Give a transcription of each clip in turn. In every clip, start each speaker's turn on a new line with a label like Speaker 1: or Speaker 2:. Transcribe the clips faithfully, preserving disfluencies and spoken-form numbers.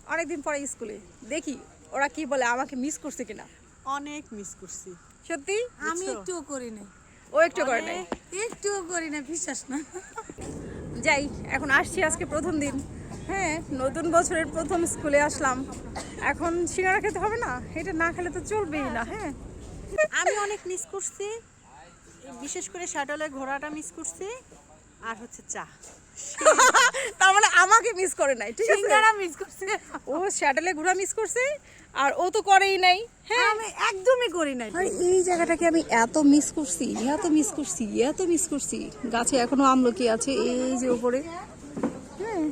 Speaker 1: অনেকদিন পরে স্কুলে দেখি ওরা কি বলে, আমাকে মিস করছে কিনা।
Speaker 2: অনেক মিস করছি
Speaker 1: সত্যি
Speaker 3: আমি একটুও করি না,
Speaker 1: ও একটু করে নাই,
Speaker 3: একটুও করি না, বিশ্বাস না।
Speaker 1: যাই এখন আসছি আজকে প্রথম দিন। হ্যাঁ, নতুন বছরের প্রথম স্কুলে আসলাম, এখন সিঙ্গারা খেতে হবে না, এটা না খেলে তো চলবেই না। হ্যাঁ
Speaker 2: আমি অনেক মিস করছি, বিশেষ করে শাটলে ঘোড়াটা মিস করছি, আর হচ্ছে চা।
Speaker 1: তার মানে আমাকে মিস করে নাই, ঠিক আছে,
Speaker 3: সিঙ্গারা মিস করছে,
Speaker 1: ও শ্যাটেলে ঘোরা মিস করছে আর ও তো করেই নাই। হ্যাঁ
Speaker 3: আমি একদমই করি না।
Speaker 1: আর এই জায়গাটাকে আমি এত মিস করছি, এত মিস করছি, এত মিস করছি। গাছে এখনো আমলকি আছে এই যে উপরে। হ্যাঁ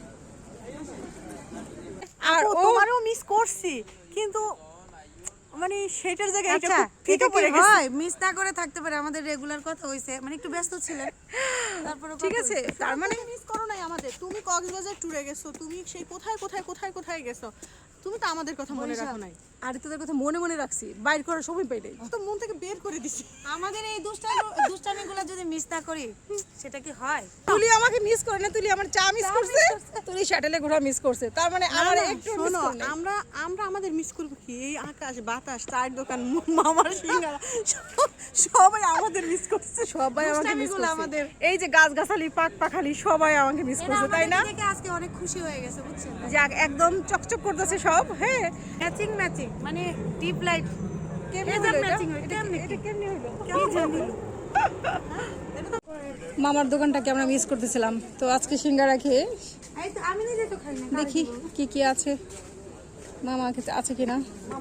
Speaker 1: আর ও
Speaker 2: তোমারও মিস করছি, কিন্তু মানে সেটার জায়গায় এটা
Speaker 3: আচ্ছা,
Speaker 2: খুব ফিকে
Speaker 3: এটা কি
Speaker 2: পড়ে গেছে।
Speaker 3: হয়? মিস না করে থাকতে পারে, আমাদের রেগুলার কথা হইছে, মানে একটু ব্যস্ত ছিলেন, তারপরে
Speaker 1: ঠিক আছে, তার মানে
Speaker 2: মিস করো নাই আমাদের। তুমি কক্সবাজার ট্যুরে গেছো, তুমি সেই কোথায় কোথায় কোথায় কোথায় গেছো, তুমি তো আমাদের কথা মনে রাখো নাই।
Speaker 1: আর তোদের কথা মনে মনে রাখছি, বাইর করার সময় পাই নাই।
Speaker 2: তো মন থেকে বের করে দিছি।
Speaker 3: আমাদের এই দুষ্টামি দুষ্টামিগুলো যদি মিস না করি, সেটা কি হয়?
Speaker 1: তুলি আমাকে মিস করে না, তুলি আমার চা মিস করছে, তুলি শ্যাটেলে ঘোরা মিস করছে, তার মানে আমার
Speaker 2: না,
Speaker 1: একটু মিস
Speaker 2: শোনো,
Speaker 1: করে নাই।
Speaker 2: আমরা আমরা আমাদের মিস করবো কি? এই আকাশ বাতাস, চায়ের দোকান, মামার সিঙ্গারা, সব- সবাই আমাদের মিস করছে।
Speaker 1: সবাই আমাকে মিস
Speaker 3: দুষ্টামিগুলো
Speaker 1: করছে,
Speaker 3: আমাদের।
Speaker 1: এই যে গাছ গাছালি পাক পাখালি সবাই আমাকে মিস
Speaker 3: এরা
Speaker 1: করছে, তাই না?
Speaker 3: আমাদেরকে দেখে আজকে অনেক খুশি হয়ে গেছে, বুঝছেন?
Speaker 1: যাক, একদম চকচক করতেছে সব। হ্যাঁ
Speaker 3: ম্যাচিং ম্যাচিং, মানে ডিপ লাইট
Speaker 1: কেমনে
Speaker 3: এটা
Speaker 1: হলো এটা?
Speaker 3: ম্যাচিং হয়,
Speaker 1: এটা
Speaker 3: কেমনে
Speaker 1: এটা
Speaker 3: কি?
Speaker 1: কেমনে হলো?
Speaker 3: কি জানি।
Speaker 1: মামার দোকানটাকে আমরা মিস করতেছিলাম, তো আজকে সিঙ্গারা খেয়ে
Speaker 3: এই তো আমি নিজে তো খাই না,
Speaker 1: দেখি কি কি আছে, মামা কাছে আছে কিনা।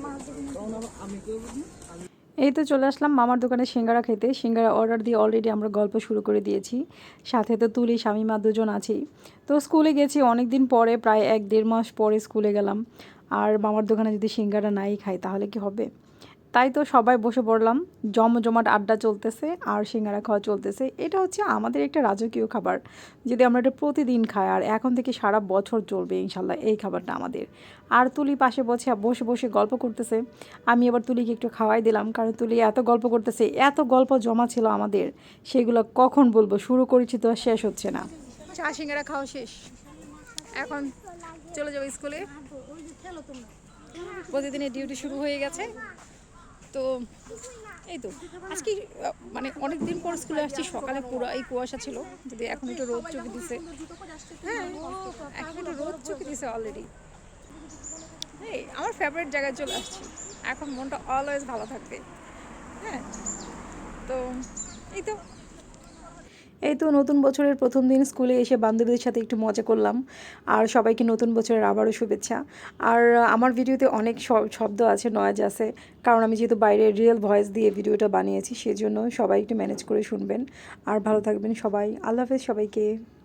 Speaker 1: এই তো চলে আসলাম মামার দোকানে সিঙ্গারা খেতে। সিঙ্গারা অর্ডার দিয়ে অলরেডি আমরা গল্প শুরু করে দিয়েছি, সাথে তো তুলি স্বামী মা দুজন আছেই। তো স্কুলে গেছি অনেক দিন পরে, প্রায় এক দেড় মাস পরে স্কুলে গেলাম, আর মামার দোকানে যদি সিঙ্গারা নাই খাই তাহলে কি হবে। তাই তো সবাই বসে পড়লাম, জমজমাট আড্ডা চলতেছে আর সিঙ্গারা খাওয়া চলতেছে। এটা হচ্ছে আমাদের একটা রাজকীয় খাবার, যদি আমরা এটা প্রতিদিন খাই, আর এখন থেকে সারা বছর চলবে ইনশাল্লাহ এই খাবারটা আমাদের। আর তুলি পাশে বসে বসে বসে গল্প করতেছে, আমি এবার তুলিকে একটু খাওয়াই দিলাম, কারণ তুলি এত গল্প করতেছে, এত গল্প জমা ছিল আমাদের, সেগুলো কখন বলবো, শুরু করেছি তো আর শেষ হচ্ছে না। চা সিঙ্গারা খাওয়া শেষ, এখন চলে যাবো স্কুলে, প্রতিদিনের ডিউটি শুরু হয়ে গেছে। তো এই তো আজকে মানে অনেক দিন পর স্কুলে আসছি, সকালে পুরো এই কুয়াশা ছিল, যদি এখন একটু রোদ চোখে দিছে। হ্যাঁ এখন একটু রোদ চোখে দিছে অলরেডি। এই আমার ফেভারিট জায়গায় চলে আসছি, এখন মনটা অলওয়েজ ভালো থাকবে। হ্যাঁ তো এই তো এই তো নতুন বছরের প্রথম দিন স্কুলে এসে বান্ধবীদের সাথে একটু মজা করলাম, আর সবাইকে নতুন বছরের আবারও শুভেচ্ছা। আর আমার ভিডিওতে অনেক শব্দ আছে, নয়েজ আছে, কারণ আমি যেহেতু বাইরে রিয়েল ভয়েস দিয়ে ভিডিওটা বানিয়েছি, সেজন্য সবাই একটু ম্যানেজ করে শুনবেন। আর ভালো থাকবেন সবাই, আল্লাহ হাফেজ সবাইকে।